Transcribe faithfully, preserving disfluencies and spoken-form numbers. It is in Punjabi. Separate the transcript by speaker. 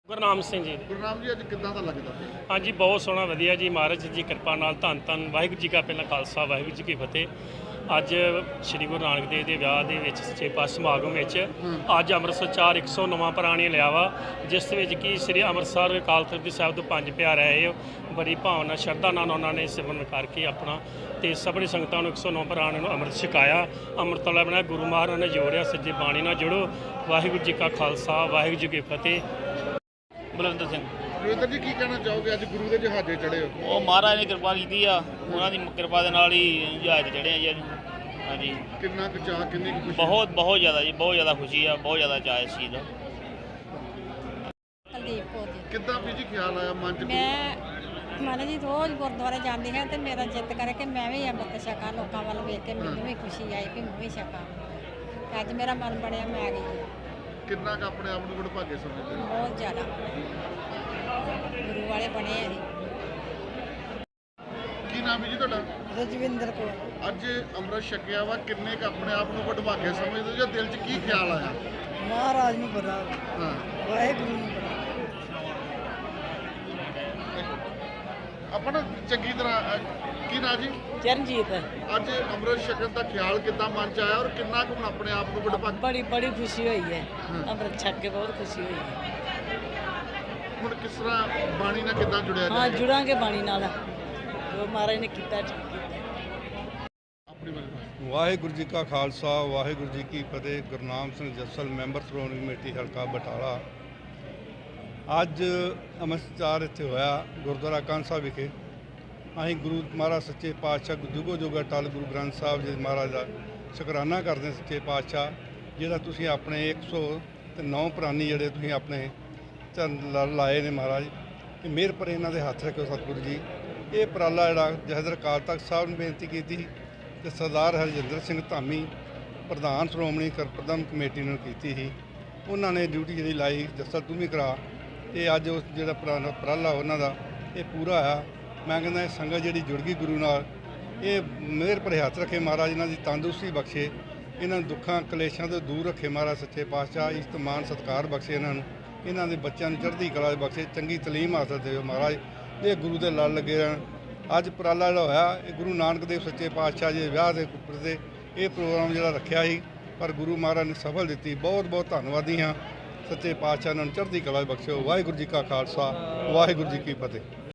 Speaker 1: ਗੁਰਨਾਮ ਸਿੰਘ ਜੀ।
Speaker 2: ਗੁਰਨਾਮ ਜੀ ਅੱਜ ਕਿੱਦਾਂ ਦਾ ਲੱਗਦਾ?
Speaker 1: ਹਾਂਜੀ ਬਹੁਤ ਸੋਹਣਾ ਵਧੀਆ ਜੀ, ਮਹਾਰਾਜ ਜੀ ਕਿਰਪਾ ਨਾਲ ਧੰਨ ਧੰਨ ਵਾਹਿਗੁਰੂ ਜੀ ਕਾ ਪਹਿਲਾ ਖਾਲਸਾ ਵਾਹਿਗੁਰੂ ਜੀ ਕੀ ਫਤਿਹ। ਅੱਜ ਸ੍ਰੀ ਗੁਰੂ ਨਾਨਕ ਦੇਵ ਦੇ ਵਿਆਹ ਦੇ ਵਿੱਚ ਸੱਚੇ ਪਾਤਸ਼ਾਹ ਸਮਾਗਮ ਵਿੱਚ ਅੱਜ ਅੰਮ੍ਰਿਤਸਰ ਚਾਰ ਇੱਕ ਸੌ ਨਵਾਂ ਪ੍ਰਾਣੀ ਲਿਆ ਵਾ, ਜਿਸ ਵਿੱਚ ਕਿ ਸ੍ਰੀ ਅੰਮ੍ਰਿਤਸਰ ਅਕਾਲ ਤਖਤ ਸਾਹਿਬ ਤੋਂ ਪੰਜ ਪਿਆਰੇ ਆਏ। ਬੜੀ ਭਾਵਨਾ ਸ਼ਰਧਾ ਨਾਲ ਉਹਨਾਂ ਨੇ ਸਿਮਰਨ ਕਰਕੇ ਆਪਣਾ ਤੇ ਸਭਨੀ ਸੰਗਤਾਂ ਨੂੰ ਇੱਕ ਸੌ ਨੌ ਪ੍ਰਾਣੀ ਨੂੰ ਅੰਮ੍ਰਿਤ ਛਕਾਇਆ। ਅੰਮ੍ਰਿਤ ਵਾਲਾ ਬਣਿਆ ਗੁਰੂ ਮਹਾਰਾਜ ਨੇ ਜੋੜਿਆ, ਸੱਜੇ ਬਾਣੀ ਨਾਲ ਜੁੜੋ। ਵਾਹਿਗੁਰੂ ਜੀ ਕਾ ਖਾਲਸਾ ਵਾਹਿਗੁਰੂ ਜੀ ਕੀ ਫਤਿਹ। ਬਲਵਿੰਦਰ ਸਿੰਘ।
Speaker 2: ਰਵਿੰਦਰ ਜੀ ਕੀ ਕਹਿਣਾ ਚਾਹੋਗੇ, ਅੱਜ ਗੁਰੂ ਦੇ ਜਹਾਜ਼ੇ ਚੜ੍ਹੇ ਹੋ?
Speaker 3: ਉਹ ਮਹਾਰਾਜ ਨੇ ਕਿਰਪਾ ਕੀਤੀ ਆ, ਉਹਨਾਂ ਦੀ ਕਿਰਪਾ ਦੇ ਨਾਲ ਹੀ ਜਹਾਜ਼ ਚੜ੍ਹੇ ਆ ਜੀ ਅੱਜ। ਹਾਂਜੀ
Speaker 2: ਕਿੰਨਾ ਕੁ ਚਾਅ, ਕਿੰਨੀ ਕੁ ਖੁਸ਼ੀ?
Speaker 3: ਬਹੁਤ ਬਹੁਤ ਜ਼ਿਆਦਾ ਜੀ, ਬਹੁਤ ਜ਼ਿਆਦਾ ਖੁਸ਼ੀ ਆ, ਬਹੁਤ ਜ਼ਿਆਦਾ ਚਾਅ ਇਸ ਚੀਜ਼ ਦਾ।
Speaker 4: ਕੁਲਦੀਪ ਕੌਰ ਜੀ।
Speaker 2: ਕਿੱਦਾਂ ਵੀ ਜੀ ਖਿਆਲ ਆਇਆ ਮਨ 'ਚ?
Speaker 4: ਮੈਂ ਮਨ ਜੀ ਰੋਜ਼ ਗੁਰਦੁਆਰੇ ਜਾਂਦੀ ਹਾਂ ਤੇ ਮੇਰਾ ਜਿੱਤ ਕਰੇ ਕਿ ਮੈਂ ਵੀ ਅੰਮ੍ਰਿਤ ਛਕਾਂ, ਲੋਕਾਂ ਵੱਲ ਵੇਖ ਕੇ ਮੈਨੂੰ ਵੀ ਖੁਸ਼ੀ ਆਈ ਕਿ ਮੈਂ ਵੀ ਛਕਾਂ। ਅੱਜ ਮੇਰਾ ਮਨ ਬਣਿਆ, ਮੈਂ ਆ ਗਈ।
Speaker 2: ਕਿੰਨਾ ਕੁ ਆਪਣੇ ਆਪ ਨੂੰ ਵਡਭਾਗੇ ਸਮਝਦੇ ਹੋ?
Speaker 4: ਬਹੁਤ ਜ਼ਿਆਦਾ ਗੁਰੂ ਵਾਲੇ ਬਣੇ ਆ ਜੀ।
Speaker 2: ਕੀ ਨਾਮ ਹੈ ਜੀ ਤੁਹਾਡਾ?
Speaker 4: ਰਜਵਿੰਦਰ ਕੌਰ।
Speaker 2: ਅੱਜ ਅੰਮ੍ਰਿਤ ਛਕਿਆ ਵਾ, ਕਿੰਨੇ ਕੁ ਆਪਣੇ ਆਪ ਨੂੰ ਵਡਭਾਗੇ ਸਮਝਦੇ ਹੋ ਜਾਂ ਦਿਲ 'ਚ ਕੀ ਖਿਆਲ ਆਇਆ?
Speaker 4: ਮਹਾਰਾਜ ਨੂੰ ਪਤਾ,
Speaker 2: ਹਾਂ
Speaker 4: ਵਾਹਿਗੁਰੂ ਨੂੰ ਪਤਾ।
Speaker 2: ਆਪਣਾ ਚੰਗੀ ਤਰ੍ਹਾਂ ਅ, ਕੀ ਨਾਂ ਜੀ?
Speaker 4: ਚਰਨਜੀਤ।
Speaker 2: ਅੱਜ ਅੰਮ੍ਰਿਤ ਛਕਣ ਦਾ ਖਿਆਲ ਕਿੱਦਾਂ ਮਨ 'ਚ ਆਇਆ ਔਰ ਕਿੰਨਾ ਕੁ ਹੁਣ ਆਪਣੇ ਆਪ ਨੂੰ ਵਡਭਾਗੇ?
Speaker 4: ਬੜੀ ਬੜੀ ਖੁਸ਼ੀ ਹੋਈ ਹੈ,
Speaker 2: ਹਾਂ।
Speaker 4: ਅੰਮ੍ਰਿਤ ਛਕ ਕੇ ਬਹੁਤ ਖੁਸ਼ੀ ਹੋਈ ਹੈ।
Speaker 2: ਹੁਣ ਕਿਸ ਤਰ੍ਹਾਂ ਬਾਣੀ ਨਾਲ ਕਿੱਦਾਂ ਜੁੜਿਆ
Speaker 4: ਹਾਂ,
Speaker 2: ਜਾਏ?
Speaker 4: ਜੁੜਾਂਗੇ ਬਾਣੀ ਨਾਲ, ਜੋ ਮਹਾਰਾਜ ਨੇ ਕੀਤਾ ਠੀਕ ਕੀਤਾ।
Speaker 2: ਆਪਣੀ ਬਾਣੀ।
Speaker 5: ਵਾਹਿਗੁਰੂ ਜੀ ਕਾ ਖਾਲਸਾ ਵਾਹਿਗੁਰੂ ਜੀ ਕੀ ਫਤਿਹ। ਗੁਰਨਾਮ ਸਿੰਘ ਜੱਸਲ, ਮੈਂਬਰ ਸ਼੍ਰੋਮਣੀ ਕਮੇਟੀ ਹਲਕਾ ਬਟਾਲਾ। ਅੱਜ ਅੰਮ੍ਰਿਤਸਰ ਇੱਥੇ ਹੋਇਆ ਗੁਰਦੁਆਰਾ ਕਾਂਸਾ ਵਿਖੇ। ਅਸੀਂ ਗੁਰੂ ਮਹਾਰਾਜ ਸੱਚੇ ਪਾਤਸ਼ਾਹ ਜੁਗੋ ਜੁਗ ਅਟਲ ਗੁਰੂ ਗ੍ਰੰਥ ਸਾਹਿਬ ਜੀ ਮਹਾਰਾਜ ਦਾ ਸ਼ੁਕਰਾਨਾ ਕਰਦੇ ਹਾਂ। ਸੱਚੇ ਪਾਤਸ਼ਾਹ ਜਿਹੜਾ ਤੁਸੀਂ ਆਪਣੇ ਇੱਕ ਸੌ ਤੇ ਨੌ ਪ੍ਰਾਨੀ ਜਿਹੜੇ ਤੁਸੀਂ ਆਪਣੇ ਚਰਨ ਲਾਏ ਨੇ ਮਹਾਰਾਜ, ਇਹ ਮਿਹਰ ਪਰ ਇਹਨਾਂ ਦੇ ਹੱਥ ਰੱਖਿਓ ਸਤਿਗੁਰੂ ਜੀ। ਇਹ ਉਪਰਾਲਾ ਜਿਹੜਾ ਜਹਦਰ ਅਕਾਲ ਤਖਤ ਸਾਹਿਬ ਨੂੰ ਬੇਨਤੀ ਕੀਤੀ ਤੇ ਸਰਦਾਰ ਹਰਜਿੰਦਰ ਸਿੰਘ ਧਾਮੀ ਪ੍ਰਧਾਨ ਸ਼੍ਰੋਮਣੀ ਪ੍ਰਬੰਧਕ ਕਮੇਟੀ ਨੂੰ ਕੀਤੀ ਸੀ। ਉਹਨਾਂ ਨੇ ਡਿਊਟੀ ਜਿਹੜੀ ਲਾਈ, ਜੱਸਲ ਤੂੰ ਵੀ ਕਰਾ, ਤੇ ਅੱਜ ਉਸ ਜਿਹੜਾ ਉਪਰਾਲਾ ਉਹਨਾਂ ਦਾ ਇਹ ਪੂਰਾ ਆ। ਮੈਂ ਕਹਿੰਦਾ ਇਹ ਸੰਗਤ ਜਿਹੜੀ ਜੁੜ ਗਈ ਗੁਰੂ ਨਾਲ, ਇਹ ਮਿਹਰ ਭਰੇ ਹੱਥ ਰੱਖੇ ਮਹਾਰਾਜ, ਇਹਨਾਂ ਦੀ ਤੰਦਰੁਸਤੀ ਬਖਸ਼ੇ, ਇਹਨਾਂ ਨੂੰ ਦੁੱਖਾਂ ਕਲੇਸ਼ਾਂ ਤੋਂ ਦੂਰ ਰੱਖੇ ਮਹਾਰਾਜ ਸੱਚੇ ਪਾਤਸ਼ਾਹ। ਇੱਜ਼ਤ ਮਾਣ ਸਤਿਕਾਰ ਬਖਸ਼ੇ ਇਹਨਾਂ ਨੂੰ, ਇਹਨਾਂ ਦੇ ਬੱਚਿਆਂ ਨੂੰ ਚੜ੍ਹਦੀ ਕਲਾ ਬਖਸ਼ੇ, ਚੰਗੀ ਤਾਲੀਮ ਹਾਸਲ ਦੇਵੇ ਮਹਾਰਾਜ। ਇਹ ਗੁਰੂ ਦੇ ਲੜ ਲੱਗੇ ਰਹਿਣ। ਅੱਜ ਉਪਰਾਲਾ ਜਿਹੜਾ ਹੋਇਆ ਇਹ ਗੁਰੂ ਨਾਨਕ ਦੇਵ ਸੱਚੇ ਪਾਤਸ਼ਾਹ ਜੀ ਦੇ ਵਿਆਹ ਦੇ ਉੱਪਰ ਤੇ ਇਹ ਪ੍ਰੋਗਰਾਮ ਜਿਹੜਾ ਰੱਖਿਆ ਸੀ, ਪਰ ਗੁਰੂ ਮਹਾਰਾਜ ਨੇ ਸਫਲ ਦਿੱਤੀ। ਬਹੁਤ ਬਹੁਤ ਧੰਨਵਾਦੀ ਹਾਂ ਸੱਚੇ ਪਾਤਸ਼ਾਹ, ਇਹਨਾਂ ਨੂੰ ਚੜ੍ਹਦੀ ਕਲਾ ਬਖਸ਼ਿਓ। ਵਾਹਿਗੁਰੂ ਜੀ ਕਾ ਖਾਲਸਾ ਵਾਹਿਗੁਰੂ ਜੀ ਕੀ ਫਤਿਹ।